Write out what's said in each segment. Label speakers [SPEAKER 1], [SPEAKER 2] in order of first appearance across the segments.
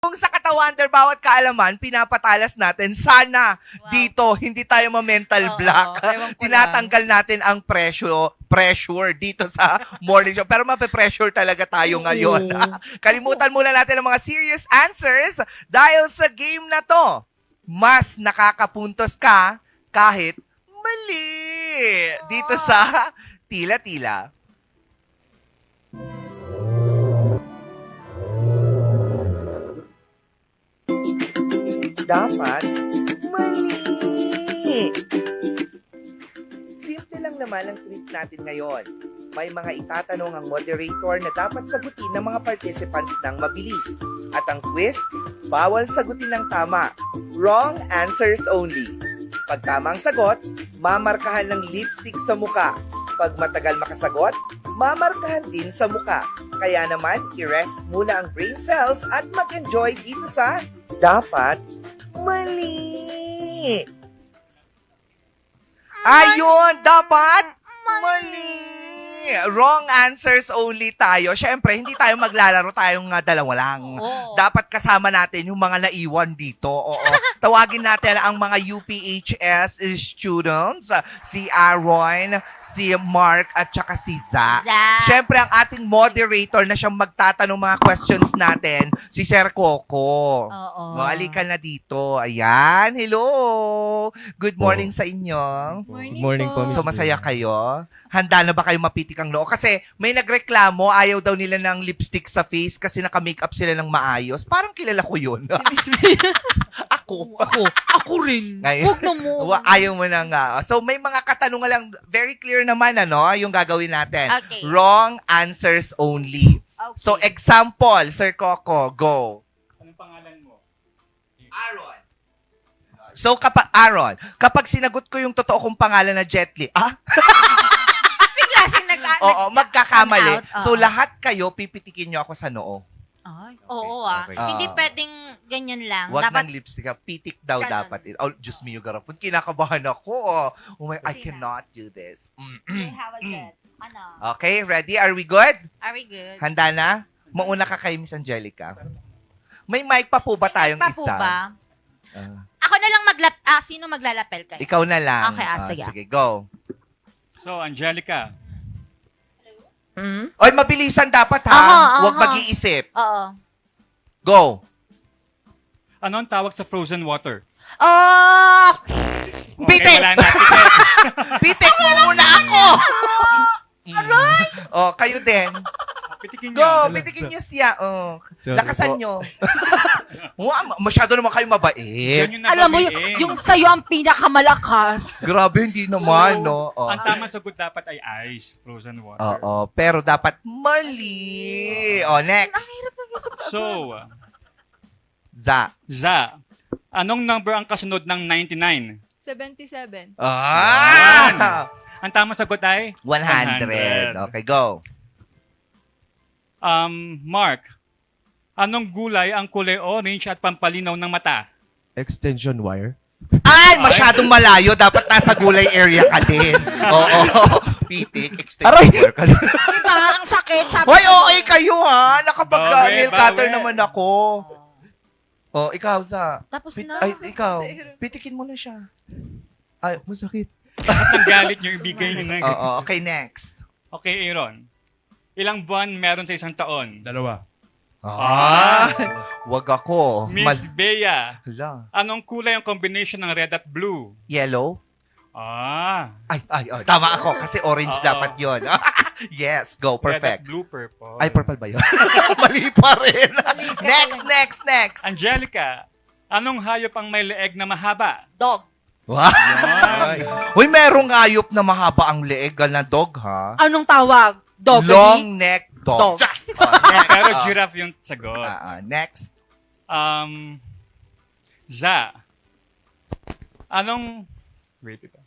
[SPEAKER 1] Kung sa Katawander, bawat kaalaman, pinapatalas natin. Sana dito, hindi tayo ma-mental block. Tinatanggal natin ang pressure dito sa morning show. Pero mape-pressure talaga tayo ngayon. Kalimutan muna natin ang mga serious answers dahil sa game na to, mas nakakapuntos ka kahit mali. Dito sa Tila-Tila. Dapat mali. Simple lang naman ang treat natin ngayon. May mga itatanong ang moderator na dapat sagutin ng mga participants ng mabilis. At ang quiz, bawal sagutin ng tama. Wrong answers only. Pag tama ang sagot, mamarkahan ng lipstick sa muka. Pag matagal makasagot, mamarkahan din sa muka. Kaya naman, i-rest muna ang brain cells at mag-enjoy dito sa Dapat Mali. Ayun, dapat mali. Wrong answers only tayo. Siyempre, hindi tayo maglalaro, tayong dalawa lang. Dapat kasama natin yung mga naiwan dito. Oo. Tawagin natin ang mga UPHS students, si Aaron, si Mark, at saka si Za. Siyempre, ang ating moderator na siyang magtatanong mga questions natin, si Sir Coco. Halika na dito. Ayan. Hello. Good morning sa inyo.
[SPEAKER 2] Good morning po, Miss
[SPEAKER 1] So, masaya kayo? Handa na ba kayo mapitik ang noo? Kasi may nagreklamo, ayaw daw nila ng lipstick sa face kasi naka-makeup sila ng maayos. Parang kilala ko yun. Ako.
[SPEAKER 2] Ako rin.
[SPEAKER 1] Ngayon.
[SPEAKER 2] Huwag na mo.
[SPEAKER 1] Ayaw mo na nga. So, may mga katanungan lang, very clear naman, yung gagawin natin.
[SPEAKER 3] Okay.
[SPEAKER 1] Wrong answers only.
[SPEAKER 3] Okay.
[SPEAKER 1] So, example, Sir Coco, go.
[SPEAKER 4] Anong pangalan mo?
[SPEAKER 1] Aaron. So, Aaron, kapag sinagot ko yung totoo kong pangalan na Jet Li,
[SPEAKER 3] Bigla siyang
[SPEAKER 1] Oo, magkakamali.
[SPEAKER 3] Come out,
[SPEAKER 1] So, lahat kayo, pipitikin nyo ako sa noo.
[SPEAKER 3] Ay, oo ah.
[SPEAKER 4] Okay.
[SPEAKER 3] Hindi pwedeng ganyan lang.
[SPEAKER 1] Wag
[SPEAKER 3] Dapat
[SPEAKER 1] ng lipstick. Pitik daw
[SPEAKER 3] Ganon.
[SPEAKER 1] dapat. Oh, Diyos mio, garapon. Kinakabahan ako. Oh my, I
[SPEAKER 3] Sige na.
[SPEAKER 1] cannot do this.
[SPEAKER 3] Okay, how was it? Ano?
[SPEAKER 1] Okay, ready? Are we good?
[SPEAKER 3] Are we good?
[SPEAKER 1] Handa na? Mauna ka kay Miss Angelica. May mic pa po ba tayong
[SPEAKER 3] Pa po
[SPEAKER 1] isa?
[SPEAKER 3] ba?
[SPEAKER 1] Ah,
[SPEAKER 3] Ako na lang sino maglalapel kayo?
[SPEAKER 1] ikaw na lang.
[SPEAKER 3] Okay, sige.
[SPEAKER 1] Sige, go.
[SPEAKER 4] So, Angelica,
[SPEAKER 3] Hmm?
[SPEAKER 1] Oy, mabilisan dapat ha.
[SPEAKER 3] Aha,
[SPEAKER 1] Huwag
[SPEAKER 3] aha.
[SPEAKER 1] mag-iisip.
[SPEAKER 3] Oo.
[SPEAKER 1] Go.
[SPEAKER 4] ano ang tawag sa frozen water?
[SPEAKER 3] Oh!
[SPEAKER 1] Pitik!
[SPEAKER 4] wala na. Pitik.
[SPEAKER 1] Pitik mo muna ako! Oh, kayo din.
[SPEAKER 4] Pitikin
[SPEAKER 1] Go,
[SPEAKER 4] niyo.
[SPEAKER 1] pitikin niyo siya. Oh.
[SPEAKER 2] Sorry
[SPEAKER 1] Lakasan
[SPEAKER 2] po.
[SPEAKER 1] niyo. Masyado naman kayo mabait.
[SPEAKER 4] Yan yung
[SPEAKER 2] Alam mo,
[SPEAKER 4] nababain.
[SPEAKER 2] yung sa'yo ang pinakamalakas.
[SPEAKER 1] Grabe, hindi naman, no? Oh.
[SPEAKER 4] Ang tamang sagot dapat ay ice, frozen water.
[SPEAKER 1] Oo, pero dapat mali. Oh, next.
[SPEAKER 4] So,
[SPEAKER 1] Za.
[SPEAKER 4] Za, anong number ang kasunod ng 99?
[SPEAKER 5] 77.
[SPEAKER 1] Ah!
[SPEAKER 4] Ang tamang sagot ay
[SPEAKER 1] 100. Okay, go.
[SPEAKER 4] Mark, anong gulay ang kulay orange at pampalinaw ng mata?
[SPEAKER 6] Extension wire.
[SPEAKER 1] Ay, masyadong malayo. Dapat nasa gulay area ka din. Oo. Pitik, extension
[SPEAKER 6] Aray!
[SPEAKER 1] work ka din.
[SPEAKER 3] Diba? Ang sakit. Sabi
[SPEAKER 1] Hoy,
[SPEAKER 3] ko.
[SPEAKER 1] okay kayo ha. Nakapag-nail
[SPEAKER 4] Bawi,
[SPEAKER 1] cutter
[SPEAKER 4] bawi.
[SPEAKER 1] naman ako. Oh, ikaw, Za.
[SPEAKER 3] Tapos na.
[SPEAKER 1] Ay, ikaw. Pitikin mo na siya. Ay,
[SPEAKER 6] Masakit.
[SPEAKER 4] At ang galit niyo, ibigay niyo na.
[SPEAKER 1] oo. Okay, next.
[SPEAKER 4] Okay, Aaron. Ilang buwan meron sa isang taon?
[SPEAKER 6] Dalawa.
[SPEAKER 1] Wag ako.
[SPEAKER 4] Miss Bea,
[SPEAKER 1] Hala.
[SPEAKER 4] anong kulay ang combination ng red at blue?
[SPEAKER 1] Yellow?
[SPEAKER 4] Ah,
[SPEAKER 1] Ay, tama ako kasi orange
[SPEAKER 4] Oo.
[SPEAKER 1] dapat yon. Yes, go,
[SPEAKER 4] red at
[SPEAKER 1] perfect.
[SPEAKER 4] blue, purple.
[SPEAKER 1] Ay, purple ba yun? Mali pa rin. Next.
[SPEAKER 4] Angelica, anong hayop ang may leeg na mahaba?
[SPEAKER 3] Dog.
[SPEAKER 1] Wow.
[SPEAKER 4] Yan.
[SPEAKER 1] Uy, merong ayop na mahaba ang leeg na dog, ha?
[SPEAKER 2] Anong tawag? Dog.
[SPEAKER 1] Long neck dog.
[SPEAKER 2] Dog.
[SPEAKER 1] Just, next.
[SPEAKER 4] Pero giraffe yung sagot.
[SPEAKER 1] Next.
[SPEAKER 4] Za, wait ito.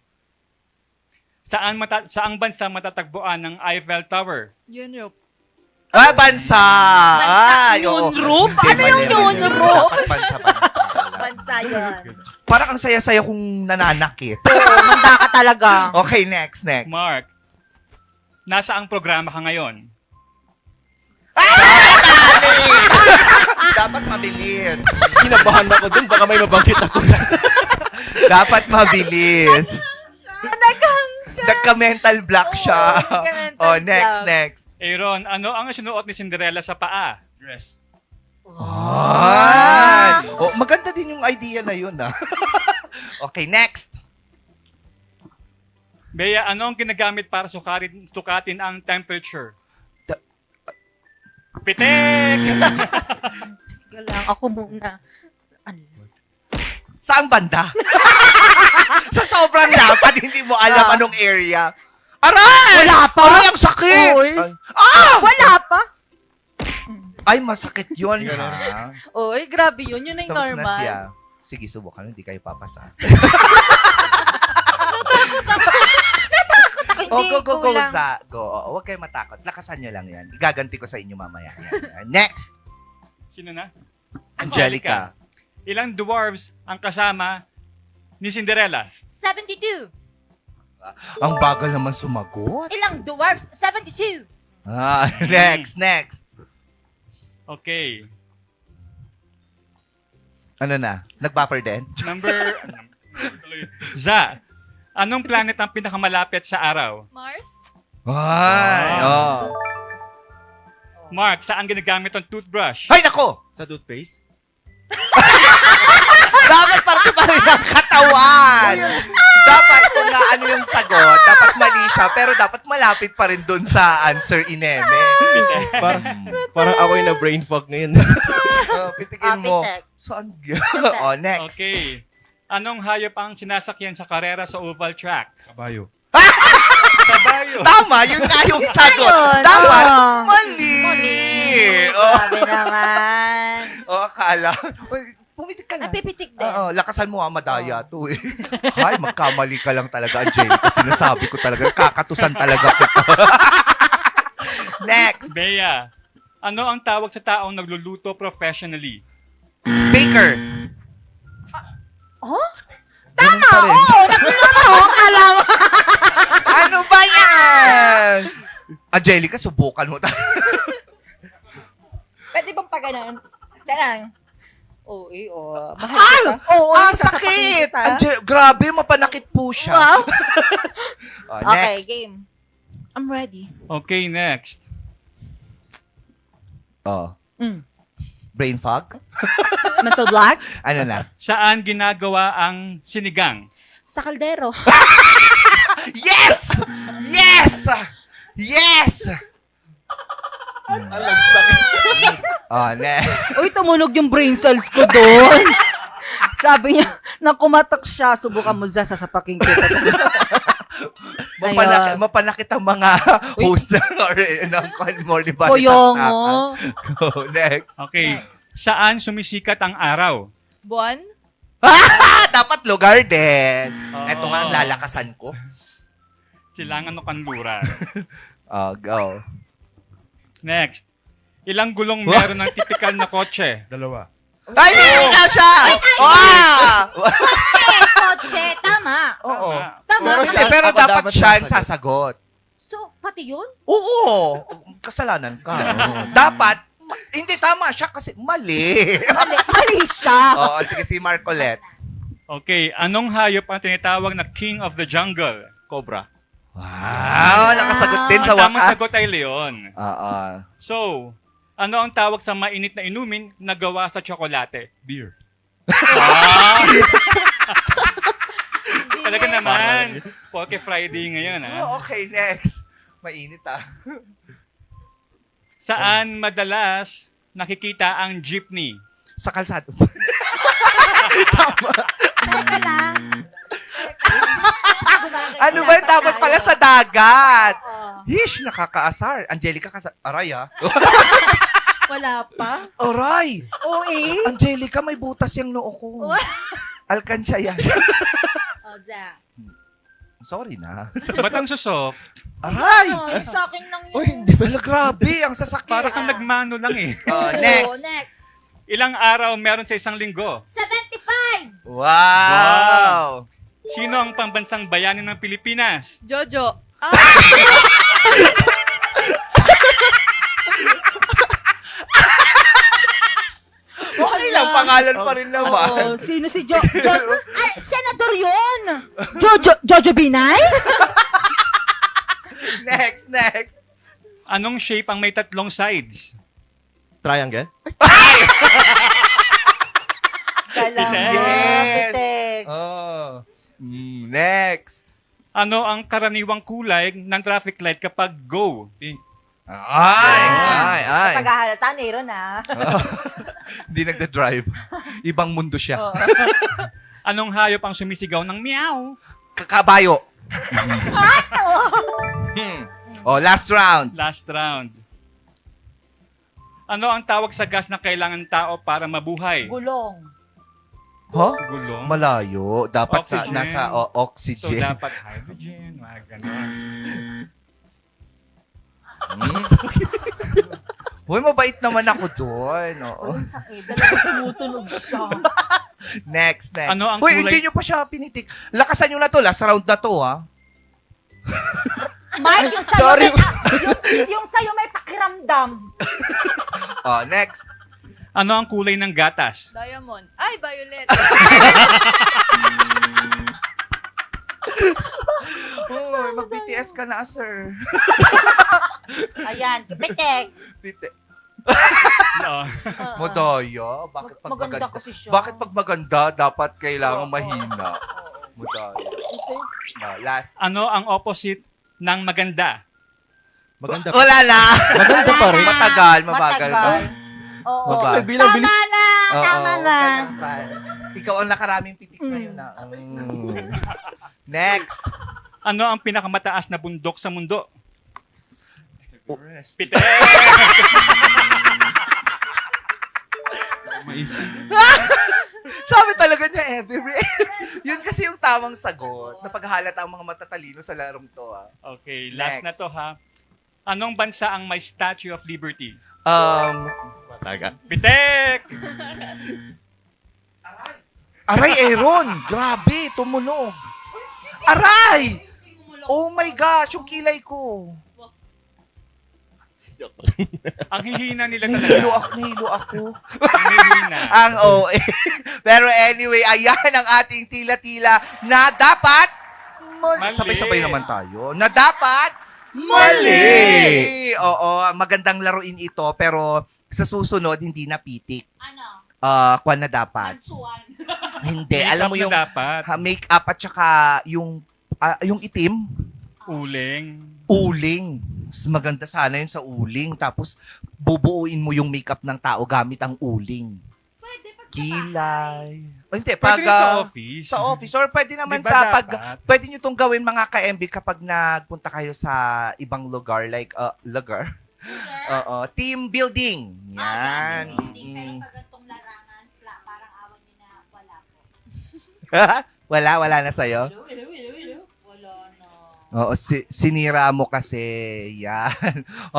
[SPEAKER 4] Saang bansa matatagpuan ng Eiffel Tower?
[SPEAKER 5] Europe.
[SPEAKER 1] Bansa. Ay, oo.
[SPEAKER 2] Europe?
[SPEAKER 1] Hindi,
[SPEAKER 2] Ano yung
[SPEAKER 1] mali, mali.
[SPEAKER 2] Europe?
[SPEAKER 1] Dapat bansa.
[SPEAKER 3] Bansa yan.
[SPEAKER 1] Parang ang saya-saya kong nananakit.
[SPEAKER 2] Oo, manda ka talaga.
[SPEAKER 1] Okay, next.
[SPEAKER 4] Mark, nasa ang programa ka ngayon?
[SPEAKER 1] Dapat mabilis.
[SPEAKER 6] Kinabahan ako dun, baka may mabanggit ako na.
[SPEAKER 1] Dapat mabilis. Nagka-mental block siya.
[SPEAKER 3] nagka-mental
[SPEAKER 1] Oh, next,
[SPEAKER 3] block.
[SPEAKER 1] next.
[SPEAKER 4] Aaron, ano ang sinuot ni Cinderella sa paa? Dress.
[SPEAKER 1] Ay! Oh, maganda din yung idea na yun, ah. Okay, next.
[SPEAKER 4] Bea, ano ang ginagamit para sukatin ang temperature?
[SPEAKER 1] Da-
[SPEAKER 4] Pitik!
[SPEAKER 3] Teka lang, ako muna. Ano?
[SPEAKER 1] Saan banda? Sa sobrang lapad, hindi mo alam anong area. Aray!
[SPEAKER 2] Wala pa.
[SPEAKER 1] Aray, ang sakit!
[SPEAKER 2] Oy.
[SPEAKER 1] Ay, ah!
[SPEAKER 3] Wala pa?
[SPEAKER 1] Ay, masakit yun, ha?
[SPEAKER 3] Oy, grabe yun. Yun ay
[SPEAKER 1] Tapos na
[SPEAKER 3] normal.
[SPEAKER 1] siya. Sige, subukan. Hindi kayo papasa.
[SPEAKER 3] Hindi,
[SPEAKER 1] Oh, go,
[SPEAKER 3] kulang.
[SPEAKER 1] Go. Oh, huwag kayo matakot. Lakasan nyo lang yan. Igaganti ko sa inyo mamaya. Yan. Next,
[SPEAKER 4] Sino na?
[SPEAKER 1] Angelica.
[SPEAKER 4] Ilang dwarves ang kasama ni Cinderella?
[SPEAKER 3] 72.
[SPEAKER 1] Ang bagal naman sumagot.
[SPEAKER 3] Ilang dwarfs? 72.
[SPEAKER 1] Ah, next.
[SPEAKER 4] Okay.
[SPEAKER 1] Ano na? Nag-buffer din?
[SPEAKER 4] Number... Za, anong planet ang pinakamalapit sa araw?
[SPEAKER 3] Mars?
[SPEAKER 1] Ay, oh.
[SPEAKER 4] Mark, saan ginagamit ang toothbrush?
[SPEAKER 1] Ay, nako!
[SPEAKER 6] Sa toothpaste?
[SPEAKER 1] Dapat parte pa rin ang katawan. Dapat kung nga ano yung sagot, dapat mali siya, pero dapat malapit pa rin dun sa answer ineme.
[SPEAKER 6] Parang ako yung na-brain fog ngayon.
[SPEAKER 1] Oh, pitikin mo.
[SPEAKER 3] Pitek.
[SPEAKER 1] Saan? Oh, next.
[SPEAKER 4] Okay. Anong hayop ang sinasakyan sa karera sa oval track?
[SPEAKER 6] Kabayo.
[SPEAKER 4] Kabayo.
[SPEAKER 1] Tama, yun nga yung sagot.
[SPEAKER 3] Ayun,
[SPEAKER 1] Dapat,
[SPEAKER 3] oh.
[SPEAKER 1] mali. Oh,
[SPEAKER 3] Grabe naman.
[SPEAKER 1] oh, akala. Uy, pumitik ka na.
[SPEAKER 3] Napipitik din.
[SPEAKER 1] Oo, lakasan mo madaya to eh. Hay, magkamali ka lang talaga, Angelica. Sinasabi ko talaga, kakatusan talaga kita. Next,
[SPEAKER 4] Bea, ano ang tawag sa taong nagluluto professionally?
[SPEAKER 1] Baker.
[SPEAKER 3] Oh?
[SPEAKER 1] Tama, Ano ba yan? Angelica, subukan mo talaga.
[SPEAKER 3] Pwede bang pa ganun? Ganun. Oo, mahal
[SPEAKER 1] Ay!
[SPEAKER 3] ka. Oo,
[SPEAKER 1] Ang sakit! Grabe, mapanakit po siya.
[SPEAKER 3] Wow.
[SPEAKER 1] Oh,
[SPEAKER 3] Okay,
[SPEAKER 1] next.
[SPEAKER 3] game. I'm ready.
[SPEAKER 4] Okay, next.
[SPEAKER 1] Oh,
[SPEAKER 3] Mm.
[SPEAKER 1] brain fog?
[SPEAKER 3] Mental block?
[SPEAKER 1] Ano na?
[SPEAKER 4] Saan ginagawa ang sinigang?
[SPEAKER 3] Sa kaldero.
[SPEAKER 1] Yes! Yes! Yes! Alam sakit. Oh, next.
[SPEAKER 2] Uy, tumunog yung brain cells ko doon. Sabi niya, nang kumatak siya, subukan mo sa sasapaking kita. Ayun.
[SPEAKER 1] Mapanakit ang mga host ng Morning Body
[SPEAKER 2] Koyong
[SPEAKER 1] Tastakan.
[SPEAKER 2] mo.
[SPEAKER 1] Go, next.
[SPEAKER 4] Okay. Saan sumisikat ang araw?
[SPEAKER 3] Buwan?
[SPEAKER 1] Dapat lugar din.
[SPEAKER 4] Oo.
[SPEAKER 1] Ito nga ang lalakasan ko.
[SPEAKER 4] Silangan o kanluran.
[SPEAKER 1] Oh, go.
[SPEAKER 4] Next. Ilang gulong meron ng typical na kotse?
[SPEAKER 6] Dalawa.
[SPEAKER 1] Ay, hindi na siya!
[SPEAKER 3] Kotse, tama.
[SPEAKER 1] Oo.
[SPEAKER 3] Tama.
[SPEAKER 1] Pero
[SPEAKER 6] Ako
[SPEAKER 1] dapat
[SPEAKER 6] dapat
[SPEAKER 1] siya ang
[SPEAKER 6] sasagot.
[SPEAKER 1] sasagot.
[SPEAKER 3] So, pati yun?
[SPEAKER 1] Oo. Kasalanan ka. Dapat, hindi tama siya kasi mali.
[SPEAKER 2] Mali siya.
[SPEAKER 1] Oo, sige si Marcolette.
[SPEAKER 4] Okay. Anong hayop ang tinatawag na King of the Jungle?
[SPEAKER 6] Cobra.
[SPEAKER 1] Wow, nakasagot din sa
[SPEAKER 4] Ang tamang
[SPEAKER 1] wakas.
[SPEAKER 4] sagot ay leon.
[SPEAKER 1] Oo.
[SPEAKER 4] So, ano ang tawag sa mainit na inumin na gawa sa tsokolate?
[SPEAKER 6] Beer.
[SPEAKER 4] Ah! Talaga naman. Poke Friday ngayon, ha?
[SPEAKER 1] Oh, okay, next. Mainit ah.
[SPEAKER 4] Saan madalas nakikita ang jeepney?
[SPEAKER 1] Sa kalsado.
[SPEAKER 3] Teka lang.
[SPEAKER 1] Ano ba yung dapat pala sa dagat?
[SPEAKER 3] Oo.
[SPEAKER 1] Hish, nakakaasar. Angelica, aray ah.
[SPEAKER 3] Wala pa?
[SPEAKER 1] Aray!
[SPEAKER 3] Oo eh.
[SPEAKER 1] Angelica, may butas yung noo ko. Alkansya yan.
[SPEAKER 3] Oh, Zach.
[SPEAKER 1] Sorry na.
[SPEAKER 4] Ba't ang soft?
[SPEAKER 1] Aray!
[SPEAKER 3] Ay, sa akin lang yun.
[SPEAKER 1] Uy, hindi ba? Grabe, ang sasakit.
[SPEAKER 4] Para kang nagmano lang eh.
[SPEAKER 1] Oh,
[SPEAKER 3] Oo,
[SPEAKER 1] next.
[SPEAKER 3] next.
[SPEAKER 4] Ilang araw meron sa isang linggo?
[SPEAKER 3] 75!
[SPEAKER 1] Wow!
[SPEAKER 4] Sino ang pambansang bayani ng Pilipinas?
[SPEAKER 3] Jojo.
[SPEAKER 1] pangalan pa rin naman.
[SPEAKER 2] Oo, sino si Ay, senador yun! Jojo Binay?
[SPEAKER 1] Next.
[SPEAKER 4] Anong shape ang may 3 sides?
[SPEAKER 6] Triangle?
[SPEAKER 1] Yes.
[SPEAKER 3] Pitek.
[SPEAKER 1] Oh. Next.
[SPEAKER 4] Ano ang karaniwang kulay ng traffic light kapag go? Pink.
[SPEAKER 1] Ay.
[SPEAKER 3] Paghahalata, Nero na.
[SPEAKER 1] Hindi nagda-drive. Ibang mundo siya.
[SPEAKER 4] Anong hayop ang sumisigaw ng meow?
[SPEAKER 1] Kabayo. Oh, last round.
[SPEAKER 4] Last round. Ano ang tawag sa gas na kailangan tao para mabuhay?
[SPEAKER 3] Gulong.
[SPEAKER 1] Huh?
[SPEAKER 4] Gulong.
[SPEAKER 1] Malayo. Dapat
[SPEAKER 4] Oxygen.
[SPEAKER 1] nasa
[SPEAKER 4] So,
[SPEAKER 1] oxygen.
[SPEAKER 4] dapat hydrogen, mga ganon.
[SPEAKER 1] Hoy, mabait naman ako doon. Oo.
[SPEAKER 3] Ang sakit. Dalawa tumutunog siya.
[SPEAKER 1] Next.
[SPEAKER 4] Ano ang
[SPEAKER 1] Hoy,
[SPEAKER 4] kulay-
[SPEAKER 1] hindi nyo pa siya pinitik. Lakasan nyo na to. Last round na to, ha?
[SPEAKER 3] Mike, yung sa'yo
[SPEAKER 1] Sorry.
[SPEAKER 3] yung sa'yo may pakiramdam.
[SPEAKER 1] Oh, next.
[SPEAKER 4] Ano ang kulay ng gatas?
[SPEAKER 5] Diamond. Ay, violet.
[SPEAKER 1] Hoy, mag-BTS ka na, sir.
[SPEAKER 3] Ayan, Pitek.
[SPEAKER 4] No.
[SPEAKER 1] Modoyo. Bakit pag
[SPEAKER 3] Maganda
[SPEAKER 1] maganda?
[SPEAKER 3] kasi siya.
[SPEAKER 1] Bakit pag maganda, dapat kailangan mahina? Modoyo. Last.
[SPEAKER 4] Ano ang opposite ng maganda?
[SPEAKER 6] Maganda pa.
[SPEAKER 1] Wala na.
[SPEAKER 6] Maganda pa rin.
[SPEAKER 1] Matagal, mabagal ba?
[SPEAKER 3] Oo.
[SPEAKER 1] Mabagal.
[SPEAKER 6] Bilang bilis.
[SPEAKER 3] Tama na. Tama na.
[SPEAKER 1] Ikaw ang nakaraming pitik ngayon na. Next.
[SPEAKER 4] Ano ang pinakamataas na bundok sa mundo?
[SPEAKER 6] Everest.
[SPEAKER 4] Pitek!
[SPEAKER 1] Sabi talaga niya, Everest. Yun kasi yung tamang sagot. Napaghalata ang mga matatalino sa larong to. Ah.
[SPEAKER 4] Okay, last
[SPEAKER 1] Next.
[SPEAKER 4] na to ha. Anong bansa ang may Statue of Liberty?
[SPEAKER 6] Mataga.
[SPEAKER 4] Pitek!
[SPEAKER 1] Aray, Aaron! Grabe, tumunog. Aray! Oh my gosh, yung kilay ko.
[SPEAKER 4] Ang hihina nila
[SPEAKER 1] Nahilo
[SPEAKER 4] talaga.
[SPEAKER 1] ako.
[SPEAKER 4] Ang hihina.
[SPEAKER 1] Ang OA. Pero anyway, ayan ang ating tila-tila na dapat
[SPEAKER 4] Mali.
[SPEAKER 1] Sabay-sabay naman tayo. Na dapat mali. Oo, magandang laruin ito pero sa susunod hindi na pitik.
[SPEAKER 3] Ano?
[SPEAKER 1] Kwan na dapat.
[SPEAKER 3] Mansuan.
[SPEAKER 1] Hindi,
[SPEAKER 4] Makeup
[SPEAKER 1] alam mo
[SPEAKER 4] na
[SPEAKER 1] yung
[SPEAKER 4] dapat.
[SPEAKER 1] make-up at saka yung itim,
[SPEAKER 4] Uling.
[SPEAKER 1] uling. Mas maganda sana yun sa uling. Tapos, bubuuin mo yung makeup ng tao gamit ang uling.
[SPEAKER 3] Pwede pag
[SPEAKER 1] Kilay. O hindi,
[SPEAKER 4] Pwede rin sa office.
[SPEAKER 1] Sa office. Or pwede naman
[SPEAKER 4] Di ba
[SPEAKER 1] sa
[SPEAKER 4] dapat?
[SPEAKER 1] pwede nyo itong gawin mga ka-MB kapag nagpunta kayo sa ibang lugar. Like, lugar? Oo. Team building. Yan. Mm.
[SPEAKER 3] pag itong larangan, parang awan niyo na wala po.
[SPEAKER 1] Wala na sa'yo?
[SPEAKER 3] Wala na.
[SPEAKER 1] Oo, sinira mo kasi. Yan.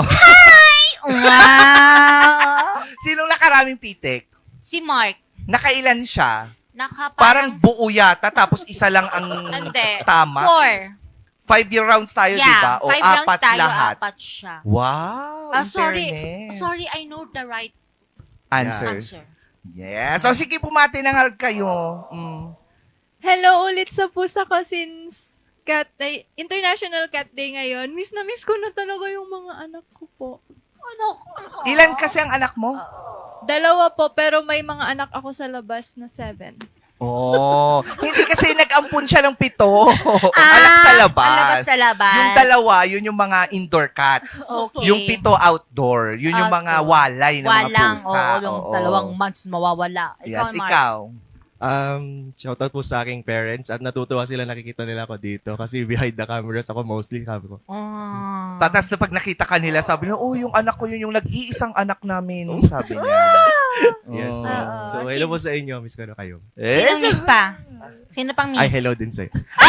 [SPEAKER 3] Wow!
[SPEAKER 1] Sinong nakaraming pitik?
[SPEAKER 3] Si Mark,
[SPEAKER 1] Nakailan siya? Parang
[SPEAKER 3] parang
[SPEAKER 1] buo yata, tapos isa lang ang
[SPEAKER 3] Hindi.
[SPEAKER 1] tama.
[SPEAKER 3] 4.
[SPEAKER 1] 5-year rounds tayo, di ba? O
[SPEAKER 3] 5 rounds
[SPEAKER 1] apat
[SPEAKER 3] tayo,
[SPEAKER 1] lahat.
[SPEAKER 3] apat siya.
[SPEAKER 1] Wow, in
[SPEAKER 3] Sorry,
[SPEAKER 1] fairness.
[SPEAKER 3] sorry, I know the right
[SPEAKER 1] Answer.
[SPEAKER 3] answer.
[SPEAKER 1] Yes. So, sige, pumati na nga kayo.
[SPEAKER 5] Hello ulit sa pusa ko since International Cat Day ngayon. Miss na miss ko na talaga yung mga anak ko po.
[SPEAKER 1] Ilan kasi ang anak mo?
[SPEAKER 5] 2 po, pero may mga anak ako sa labas na 7.
[SPEAKER 1] Oh, hindi kasi nag-ampun siya ng 7. Anak sa labas.
[SPEAKER 3] Alabas sa labas.
[SPEAKER 1] Yung 2, yun yung mga indoor cats.
[SPEAKER 3] Okay.
[SPEAKER 1] Yung 7 outdoor. Yun yung mga
[SPEAKER 3] Outdoor.
[SPEAKER 1] walay ng mga
[SPEAKER 3] Walang,
[SPEAKER 1] pusa.
[SPEAKER 3] oo, yung
[SPEAKER 1] Oo.
[SPEAKER 3] 2 months mawawala.
[SPEAKER 1] Yes,
[SPEAKER 3] Mark.
[SPEAKER 1] ikaw.
[SPEAKER 6] Shoutout po sa aking parents at natutuwa sila nakikita nila ako dito kasi behind the cameras ako mostly sabi ko.
[SPEAKER 3] Ah.
[SPEAKER 1] Tatas na pag nakita ka nila, sabi niya, oh, yung anak ko yun, yung nag-iisang anak namin, sabi niya.
[SPEAKER 6] Yes.
[SPEAKER 1] Oh.
[SPEAKER 6] So hello po sa inyo, miss ko na kayo.
[SPEAKER 3] Sino miss pa? Sino pang miss?
[SPEAKER 6] Ay, hello din sa'yo.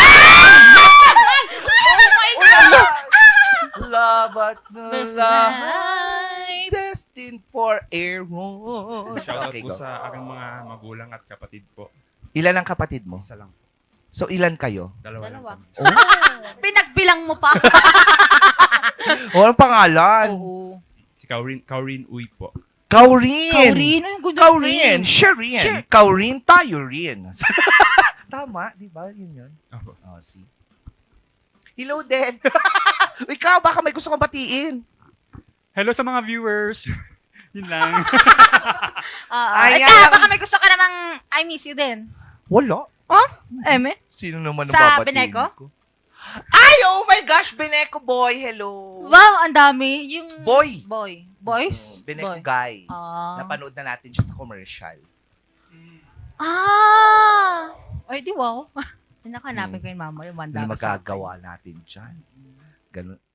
[SPEAKER 1] Love at
[SPEAKER 3] Best
[SPEAKER 1] love,
[SPEAKER 3] life.
[SPEAKER 1] destined for Aaron.
[SPEAKER 7] Shoutout
[SPEAKER 1] Okay,
[SPEAKER 7] po
[SPEAKER 1] go.
[SPEAKER 7] sa aking mga magulang at kapatid po.
[SPEAKER 1] Ilan ang kapatid mo?
[SPEAKER 7] Isa lang.
[SPEAKER 1] So, ilan kayo?
[SPEAKER 7] Dalawa lang
[SPEAKER 3] Dalawa.
[SPEAKER 7] kami.
[SPEAKER 3] Pinagbilang mo pa.
[SPEAKER 1] Oh, anong pangalan?
[SPEAKER 3] Oo.
[SPEAKER 7] Si Kaurin Uy po.
[SPEAKER 1] Kaurin.
[SPEAKER 2] Kaurin. Ay, good
[SPEAKER 1] Kaurin.
[SPEAKER 2] name.
[SPEAKER 1] Sherin.
[SPEAKER 2] Sure.
[SPEAKER 1] Kaurin tayo rin. Tama, di ba? Yun.
[SPEAKER 7] Opo.
[SPEAKER 1] Oh, see. Hello din. Ikaw, baka may gusto kong batiin.
[SPEAKER 4] Hello sa mga viewers. Yun lang.
[SPEAKER 1] Ayan.
[SPEAKER 3] Ikaw, baka may gusto ka namang I miss you din.
[SPEAKER 1] Wala.
[SPEAKER 3] Eme?
[SPEAKER 1] Sino naman ang
[SPEAKER 3] Sa
[SPEAKER 1] babatiin
[SPEAKER 3] Beneco?
[SPEAKER 1] ko? Ay, oh my gosh, Beneco boy. Hello.
[SPEAKER 3] Wow, ang dami. Yung...
[SPEAKER 1] Boy.
[SPEAKER 3] Boys?
[SPEAKER 1] Beneco
[SPEAKER 3] Boy.
[SPEAKER 1] guy.
[SPEAKER 3] Ah.
[SPEAKER 1] Napanood na natin siya sa commercial.
[SPEAKER 3] Ay, di wow. Hinakanapin ko yung mama yung
[SPEAKER 1] Ano
[SPEAKER 3] mandami sa akin.
[SPEAKER 1] magagawa natin dyan? Ganun.